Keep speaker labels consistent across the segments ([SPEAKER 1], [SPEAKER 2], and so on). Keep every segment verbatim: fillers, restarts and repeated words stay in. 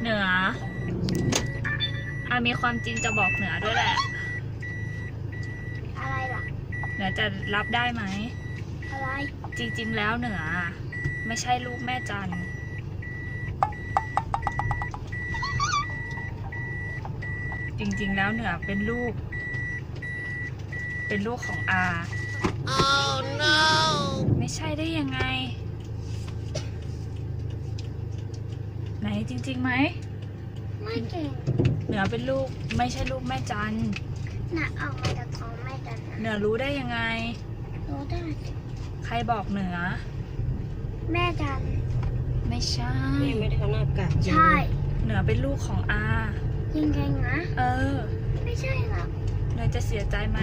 [SPEAKER 1] เหนืออามีความจริงจะบอกเหนือด้วยแหละ
[SPEAKER 2] อะไรล่ะ
[SPEAKER 1] เหนือจะรับได้ไหม
[SPEAKER 2] อะไร
[SPEAKER 1] จริงๆแล้วเหนือไม่ใช่ลูกแม่จันจริงๆแล้วเหนือเป็นลูกเป็นลูกของอา
[SPEAKER 2] oh no
[SPEAKER 1] ไม่ใช่ได้ยังไงไหนจริงๆไหม
[SPEAKER 2] ไม่เก่ง
[SPEAKER 1] เหนือเป็นลูกไม่ใช่ลูกแม่จัน
[SPEAKER 2] น่ะเอามาจากท้องแม่จัน
[SPEAKER 1] เหนือรู้ได้ยังไง
[SPEAKER 2] รู้ได้
[SPEAKER 1] ใครบอกเหนือ
[SPEAKER 2] แม่จัน
[SPEAKER 1] ไม่ใช่
[SPEAKER 3] ไม่ได้ทำหน้ากาก
[SPEAKER 2] ใช่
[SPEAKER 1] เหนือเป็นลูกของอา
[SPEAKER 2] จริงๆนะ
[SPEAKER 1] เออ
[SPEAKER 2] ไม่ใช่หรอก
[SPEAKER 1] เหนือจะเสียใจไหม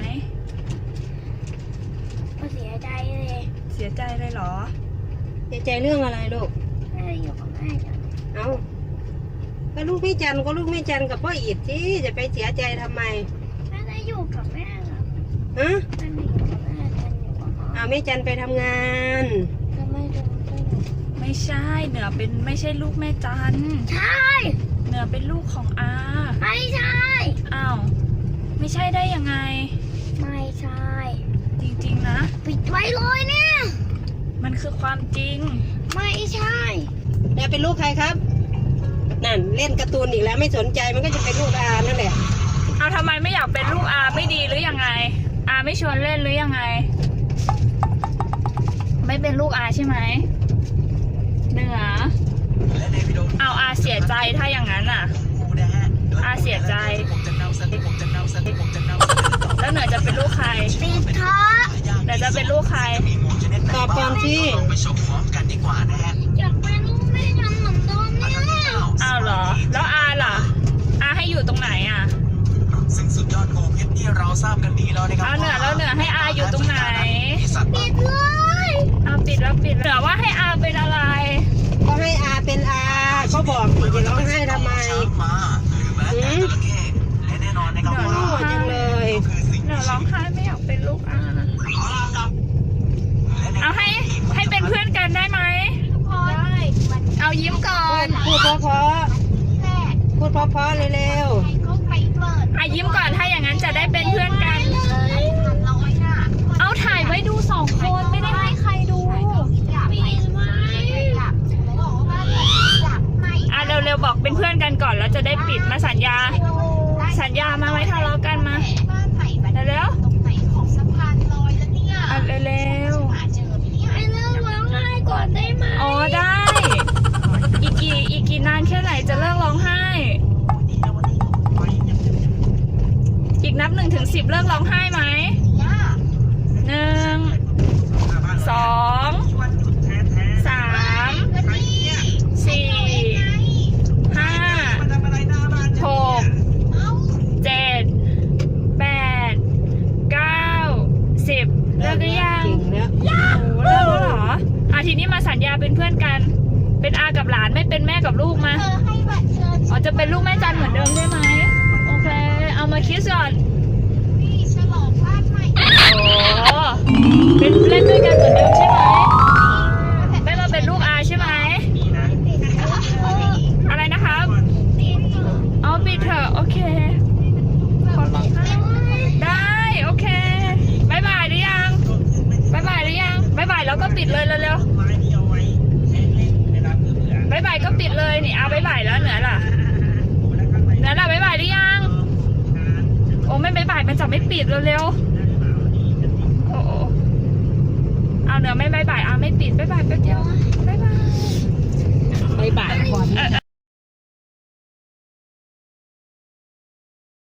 [SPEAKER 2] ก็เสียใจเลย
[SPEAKER 1] เสียใจเลยเหรอ
[SPEAKER 3] เสียใจเรื่องอะไรลูก
[SPEAKER 2] แม่อยู่กับแม่จัน
[SPEAKER 3] เอ้าก็ลูกแม่จันก็ลูกแม่จันกับพ่ออีดที่จะไปเสียใจทำไม
[SPEAKER 2] แม่ได้อยู่กับแม่หรอ
[SPEAKER 3] ฮะ
[SPEAKER 2] แม่อยู่กับแม่จันอยู่กับพ่อ
[SPEAKER 3] อ้าวแม่จันไปทำงาน
[SPEAKER 2] แล้วแม่จันก็อยู่
[SPEAKER 1] ไม่ใช่เหนือเป็นไม่ใช่ลูกแม่จัน
[SPEAKER 2] ใช่
[SPEAKER 1] เหนือเป็นลูกของอา
[SPEAKER 2] ไม่ใช่
[SPEAKER 1] อ้าวไม่ใช่ได้ยังไง
[SPEAKER 2] ไม่ใช่
[SPEAKER 1] จริงๆนะ
[SPEAKER 2] ปิดไว้เลยเนี่ย
[SPEAKER 1] มันคือความจริง
[SPEAKER 2] ไม่ใช่
[SPEAKER 3] แล้วเป็นลูกใครครับนั่นเล่นการ์ตูนอีกแล้วไม่สนใจมันก็จะเป็นลูกอานั่นแหละ
[SPEAKER 1] เอาทำไมไม่อยากเป็นลูกอาไม่ดีหรือยังไงอาไม่ชวนเล่นหรือยังไงไม่เป็นลูกอาใช่ไหมเหนือเอาอาเสียใจถ้าอย่างนั้นอ่ะอาเสียใจแล้วเหนือจะเป็นลูกใคร
[SPEAKER 2] ปิดท้อ
[SPEAKER 1] เหนือจะเป็นลูกใคร
[SPEAKER 3] ตอบก่อนที่
[SPEAKER 2] อยากเป็นลูกแม่จันเหมือนเดิมเนี่ย
[SPEAKER 1] อ้าวเหรอแล้วอาล่ะอาให้อยู่ตรงไหนอ่ะ
[SPEAKER 4] ซึ่งสุดยอดโกเพชรที่เราทราบกันดีแล้วนะครับ
[SPEAKER 1] เอาเหนือแล้วเหนือให้อาอยู่ตรงไหน
[SPEAKER 2] ปิดเลย
[SPEAKER 1] เอาปิดแล้วปิดเหนือว่าให้อาเป็นอะไร
[SPEAKER 3] ก็ให้อาเป็นอาก็บอกสิจะร้องไห้ทำไมหืม
[SPEAKER 4] และแน่นอนนะครับว่า
[SPEAKER 3] โง่จังเลย
[SPEAKER 1] เหนือร้องไห้ไม่อยากเป็นลูกอาเอาให้ให้เป็นเพื่อนกันได้ไหม
[SPEAKER 2] ได้
[SPEAKER 1] เอายิ้มก่อน
[SPEAKER 3] พูดเพราะๆพูดเพราะๆเร็ว
[SPEAKER 1] อ่ะยิ้มก่อนถ้าอย่างนั้นจะได้เป็นเพื่อนกันเอาถ่ายไว้ดูสองคนไม่ได้ให้ใครดูอ่ะเร็วๆบอกเป็นเพื่อนกันก่อนแล้วจะได้ปิดมาสัญญาสัญญามาไว้ทะเลาะกันมาเร็วๆอ่ะเร็ว
[SPEAKER 2] ๆให้เลิกร้องไห้ก่อนได้ไหม
[SPEAKER 1] อ๋อได้อีกกี่อีกกี่นานแค่ไหนจะเลิกร้องไห้อีกนับหนึ่งถึงสิบเลิกร้องไห้ไหมหนึ่งสองสามสี่ห้าหกเจ็ดแปดเก้าสิบเลิกหรือยังโอ้เลิกแล้วเหรออาทีนี้มาสัญญาเป็นเพื่อนกันเป็นอากับหลานไม่เป็นแม่กับลูกมาอ๋อจะเป็นลูกแม่จันเหมือนเดิมใช่ไหมโอเคเอามาคิดก่อนโอ้เป็นเล่นด้วยกันเหมือนเดิมใช่ไหมไม่มาเป็นลูกอาใช่ไหมอะไรนะครับเอาปิดเถอะโอเคขอร้องไห้ได้โอเคบายบายหรือยังบายบายหรือยังบายบายแล้วก็ปิดเลยเร็วๆบายบายก็ปิดเลยนี่เอาบายบายแล้วเหนือล่ะเหนือล่ะบายบายหรือยังโอ้ไม่บายบายมันจะไม่ปิดเร็วๆโอ้เอาเหนือไม่บายบายเอาไม่ปิดบายบายแป๊บเดียวบายบาย
[SPEAKER 3] บายบายก่อน